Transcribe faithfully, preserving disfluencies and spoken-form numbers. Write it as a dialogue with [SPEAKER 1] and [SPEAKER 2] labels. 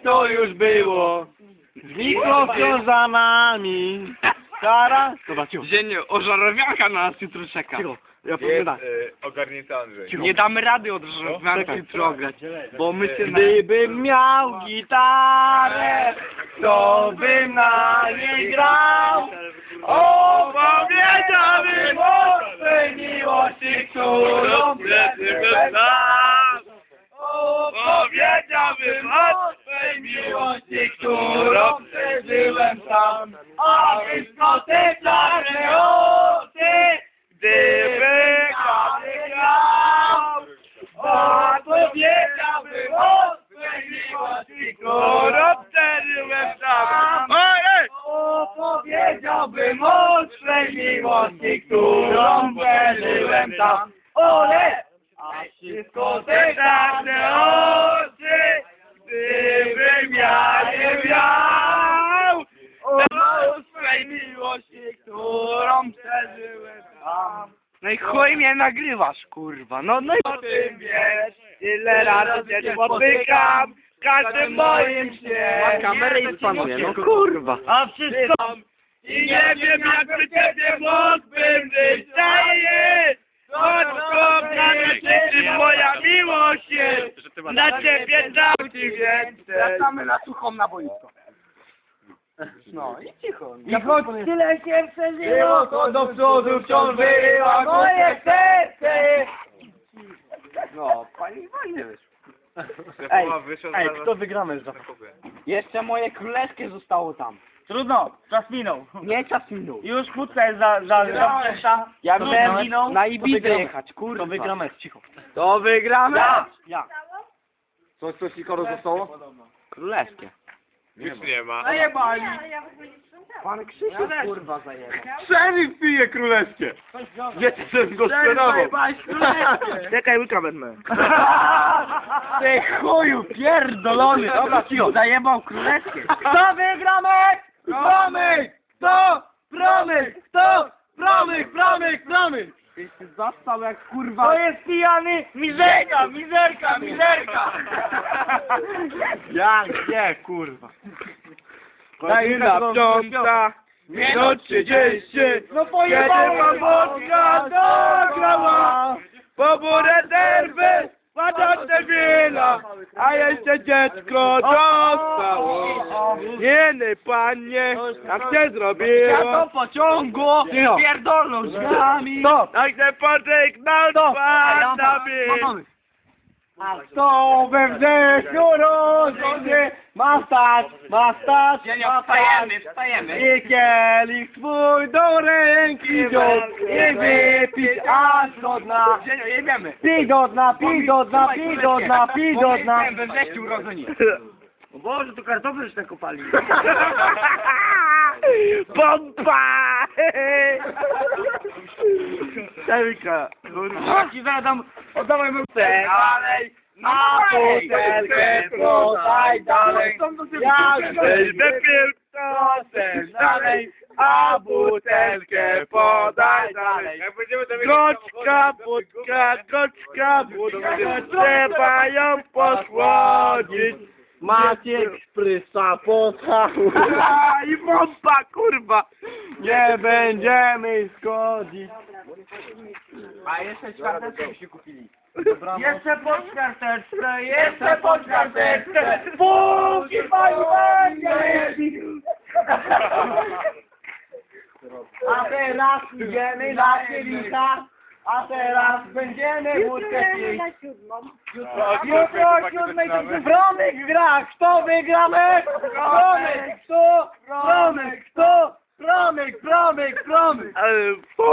[SPEAKER 1] to już było. Z mikrowiązanami. Kara? Dobra, cicho.
[SPEAKER 2] Dzień ożarowianka na nas jutro czeka.
[SPEAKER 1] Cicho. Ja powiem tak.
[SPEAKER 3] Ogarnięty Andrzej.
[SPEAKER 2] Nie damy rady od ożarowianki jutro ograć, bo my się...
[SPEAKER 1] Gdybym miał gitarę, to bym na niej grał. Opowiedziałbym o swej miłości, którą przeżyłem sam. Opowiedziałbym o swej miłości, którą przeżyłem sam. A wszystko te czarne oczy, gdyby każdy grał. Opowiedziałbym o swej miłości, którą przeżyłem sam. Opowiedziałbym o swej miłości, którą przeżyłem sam. Ole! A wszystko te czarne oczy, gdybym ja nie miał. O swej miłości, którą przeżyłem sam.
[SPEAKER 2] No i chuj mnie nagrywasz, kurwa. No, no i...
[SPEAKER 1] O tym wiesz, ile razy cię spotykam, w każdym moim śnie.
[SPEAKER 2] Ma kamerę i spanuje, no kurwa.
[SPEAKER 1] A wszystko i nie wiem, jak przy ciebie mógłbym żyć. Daję, choć kochana życzy moja miłość jest. Na ciebie dał ci więcej.
[SPEAKER 2] Wracamy na suchą na boisko. No i cicho.
[SPEAKER 1] I choć tyle się przeżyło, to do przodu wciąż wyrywa moje serce.
[SPEAKER 2] No, pani fajnie wyszło.
[SPEAKER 3] Ej,
[SPEAKER 1] Ej, kto wygramy za?
[SPEAKER 2] Jeszcze moje królewskie zostało tam.
[SPEAKER 1] Trudno, czas minął.
[SPEAKER 2] Nie, czas minął.
[SPEAKER 1] Już kłódka jest za, za, za wczesna.
[SPEAKER 2] Ja
[SPEAKER 1] To
[SPEAKER 2] miałem
[SPEAKER 1] wygramy?
[SPEAKER 2] na
[SPEAKER 1] To
[SPEAKER 2] Ibizę
[SPEAKER 1] wygramy.
[SPEAKER 2] jechać, kurwa.
[SPEAKER 1] To wygramy, cicho.
[SPEAKER 2] To wygramy.
[SPEAKER 1] Ja, ja.
[SPEAKER 3] coś, coś Nikoro zostało?
[SPEAKER 2] Królewskie.
[SPEAKER 3] Już nie ma.
[SPEAKER 1] Zajebali.
[SPEAKER 2] Pan Krzysiu kurwa zajebał.
[SPEAKER 3] Szeryf pije królewskie. Wiecie, co go sprzedawał.
[SPEAKER 1] Czekaj, łyka wezmę.
[SPEAKER 2] Ty chuju pierdolony. Dobra, cicho. Zajebał królewskie.
[SPEAKER 1] Kto wygramy? Promyk! Kto? Promyk! Kto? Promyk, promyk, promyk!
[SPEAKER 2] Ty się zastał jak kurwa.
[SPEAKER 1] To jest pijany mizerka, mizerka, mizerka!
[SPEAKER 2] Jak nie, kurwa.
[SPEAKER 1] Godzina piąta, minut trzydzieści, no pojebałem wodka dograła, poburę derby, patrzę wina, a jeszcze dziecko dostało. Jeny panie, jak się zrobiło?
[SPEAKER 2] Ja to pociągu pierdolną drzwiami.
[SPEAKER 1] Stop! Jak się pożegnał, to pana bill. A kto we wrześniu rozumie, ma stać, ma stać, ma stać.
[SPEAKER 2] wstajemy.
[SPEAKER 1] I kielich swój do ręki wziąć i wypić aż do dna.
[SPEAKER 2] Jedziemy.
[SPEAKER 1] Pij do dna, pij do dna, pij do dna, pij do dna.
[SPEAKER 2] We wrześniu urodzeni.
[SPEAKER 1] O Boże, to kartofle już tak kopali. Pompa! Czerwika, kurwa. Ci zadam, oddawaj mu dalej. Na butelkę podaj dalej. Jak wypił to ten dalej, a butelkę podaj dalej. Goczka, budka, goczka, budka, trzeba ją posłodzić. Maciek sprysa pocałuj. I pompa, kurwa. Nie będziemy schodzić.
[SPEAKER 2] A jeszcze czwarteczkę się kupili.
[SPEAKER 1] Jeszcze po karteczce, jeszcze po karteczce. Póki pani będzie. A teraz idziemy na kielita. A teraz będziemy wódkę pić. Jutro o siódmej Bromek gra. Kto wygramy? Bromek. Kto? Bromek. Kto? Bromek, Bromek, Bromek.